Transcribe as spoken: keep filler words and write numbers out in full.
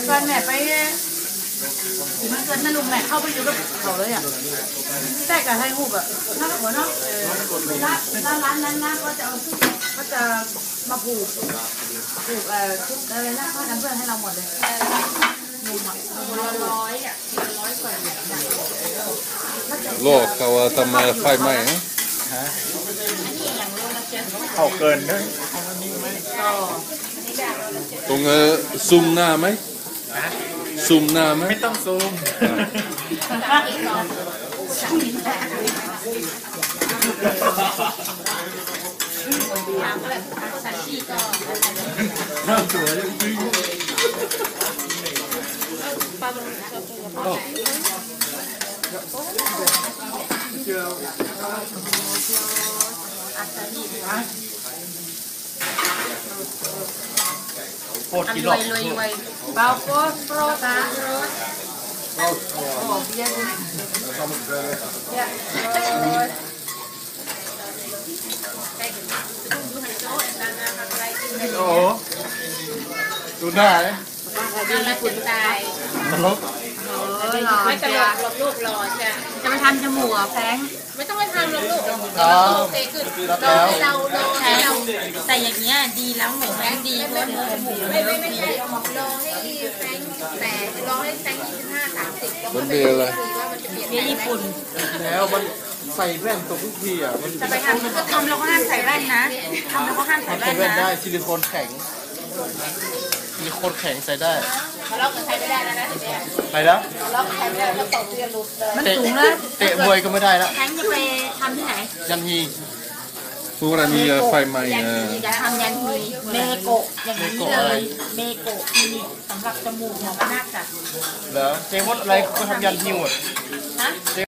ตอนแม่ไปมันเกิดนั่นลุงแม่เข้าไปอยู่กับเขาเลยอ่ะแต่กับไทยหูแบบน่าหัวเนาะร้านร้านนั้นนะก็จะเอาก็จะมาผูกผูกเอ่อชุดอะไรนะผ้ากันเปื้อนให้เราหมดเลยนุ่มอ่ะร้อยอ่ะร้อยกว่าโลกเขาทำมาไฟไหม้ฮะเขาเกินเลยตรงซูมหน้าไหมซูมหน้าไหมไม่ต้องซูมน่าสวยจริงโคตรกิโลเบาโฟสโปรตาโรสโอ้เบียร์โอ้ดูหน้าเลยอะไรคุณตายนรกไม่ตลกหลบลูกรอจ้ะจะไปทำจมูกอ่ะแฟงไม่ต้องไปทำหรอกลูกเราเตะขึ้นเราเราเราเราแต่อย่างเงี้ยดีแล้วเหมือนแฟงดีเพราะจมูกไม่ไม่ไม่ใช่รอให้แฟงแต่รอให้แฟงยี่สิบห้าสามสิบมันเบียร์อะไรเบียร์ญี่ปุ่นแล้วมันใส่แว่นตกทุกทีอ่ะมันจะไปทำก็ทำแล้วก็ห้ามใส่แว่นนะทำแล้วก็ห้ามใส่แว่นนะได้ซิลิโคนแข็งซิลิโคนแข็งใส่ได้เราก็ใช้ไม่ได้แล้วนะไปแล้วเราใช้ไม่ได้เราตกเรียนรู้มันสูงนะเตะมวยก็ไม่ได้แล้วแทงจะไปทำที่ไหนยันฮีพวกเรามีไฟไหม้จะทำยันฮีเมโกะอย่างนี้เลยเมโกะคลินิกสำหรับจมูกหมอมนาคจ้ะเหรอเจมส์อะไรก็ทำยันฮีหมดฮะ